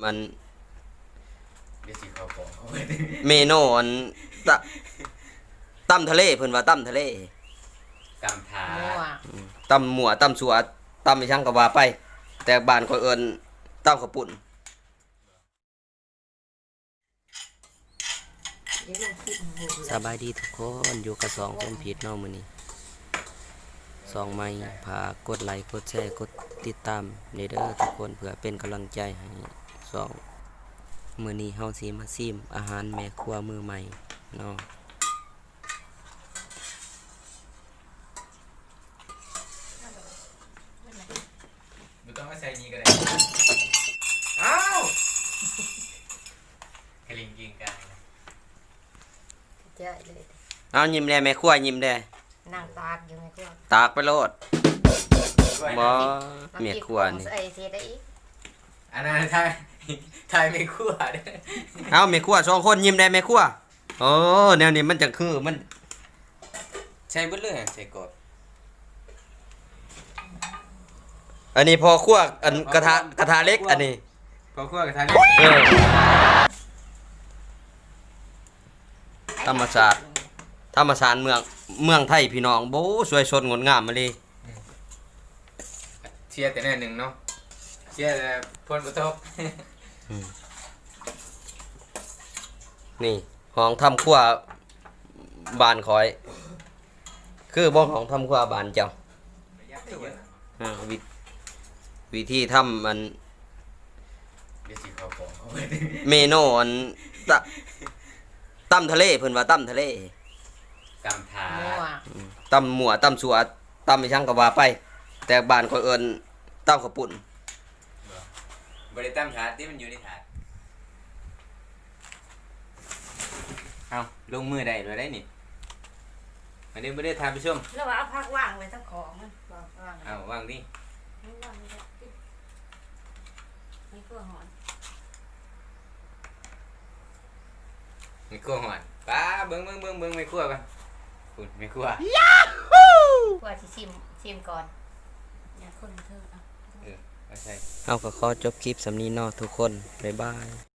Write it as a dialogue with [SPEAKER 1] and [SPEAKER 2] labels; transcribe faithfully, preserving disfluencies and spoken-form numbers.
[SPEAKER 1] มัน
[SPEAKER 2] เดี๋ยวสิเขาบอกเอาไว้
[SPEAKER 1] เมนูอันตะตั้มทะเลเพิ่นว่าตั้มทะเล
[SPEAKER 2] กำถา
[SPEAKER 3] มั่ว
[SPEAKER 1] ตั้มหมัวตั้มสัวตั้มไปช่างก็ว่าไป แต่บ้านข่อยเอิ้นตั้มข้าวปุ้น
[SPEAKER 3] เดี๋ยวลงคลิปหมู
[SPEAKER 1] สบายดีทุกคนอยู่กับสองคนผิดเนาะมื้อนี้สองไม้ฝากกดไลค์กดแชร์กดติดตามเด้อทุกคนเพื่อเป็นกำลังใจให้สองมื้อนี้เฮาสิมาซิมอาหารแม่ครัวมือใหม่เนาะ
[SPEAKER 2] ไม่ต้องมาใส่นี้ก็ได้อ้าวกระลิงกิงกันนะ
[SPEAKER 3] เจ๊เลย
[SPEAKER 1] เอายิ้มแด่แม่ครัวยิ้มแด่
[SPEAKER 3] นั่งตากอยู่ในครัว
[SPEAKER 1] ตากไปโลดบ่
[SPEAKER 3] า
[SPEAKER 1] แม่ครัวนี่
[SPEAKER 3] ใส่เศษได้อีก
[SPEAKER 2] อันนั้นทายทายไม่คั่วเด้อ
[SPEAKER 1] เอาแม่ครัวสองคนยิ้มแด่แม่ครัวโอ้แนวนี้มันจังคือมัน
[SPEAKER 2] ใช่เบิดเลยใช่กด
[SPEAKER 1] อันนี้พอครัวอันกระทะกระทะเล็กอันนี้
[SPEAKER 2] พอคั่วกับทาย
[SPEAKER 1] เออธรรมศาสตร์ธรรมศาสตร์เมืองเมืองไทยพี่น้องโบ้สวยสดงดงามมาเลย
[SPEAKER 2] เชียร์แต่แน่หนึ่งเนาะเชียร์แต่พลกระทบ
[SPEAKER 1] นี่ห้องทำครัวบานคอย คือบ่ห้องทำครัวบานเจ้าอ่าวิวิธีทำมัน
[SPEAKER 2] เดี๋ยวสิเขาบอกเอาไว้
[SPEAKER 1] เมนูอันตะตั้มทะเลเพิ่นว่าตั้มทะเล
[SPEAKER 2] กำถา
[SPEAKER 3] มั่ว
[SPEAKER 1] ตั้มหมัวตั้มสัวตั้มไปช่างก็ว่าไป แต่บ้านข่อยเอิ้นตั้มข้าวปุ้น
[SPEAKER 2] บริตั้มถาดที่มันอยู่ในถาดเอาลงมือได้เลยได้นี่อันนี้ไม่ได้ทานผู้ชม
[SPEAKER 3] แล้วว่าเอาพักว่างไว้ทั้งของมันวางว่าง
[SPEAKER 2] เอาวางดิ
[SPEAKER 3] ไม่ว่างไม่ได้ติดนี่ก็หอน
[SPEAKER 2] ไม่คั่วหอนป้าเบิ้งเบิ้งเบิ้งเบิ้งไม่คั่วกันคุณไม่คั่ว
[SPEAKER 3] กว่าสิชิมชิมก่อนอย่าคนเธอเอา
[SPEAKER 2] เออเอาใช่
[SPEAKER 1] เอาก็ขอจบคลิปสำนี้เนาะทุกคนบ๊ายบาย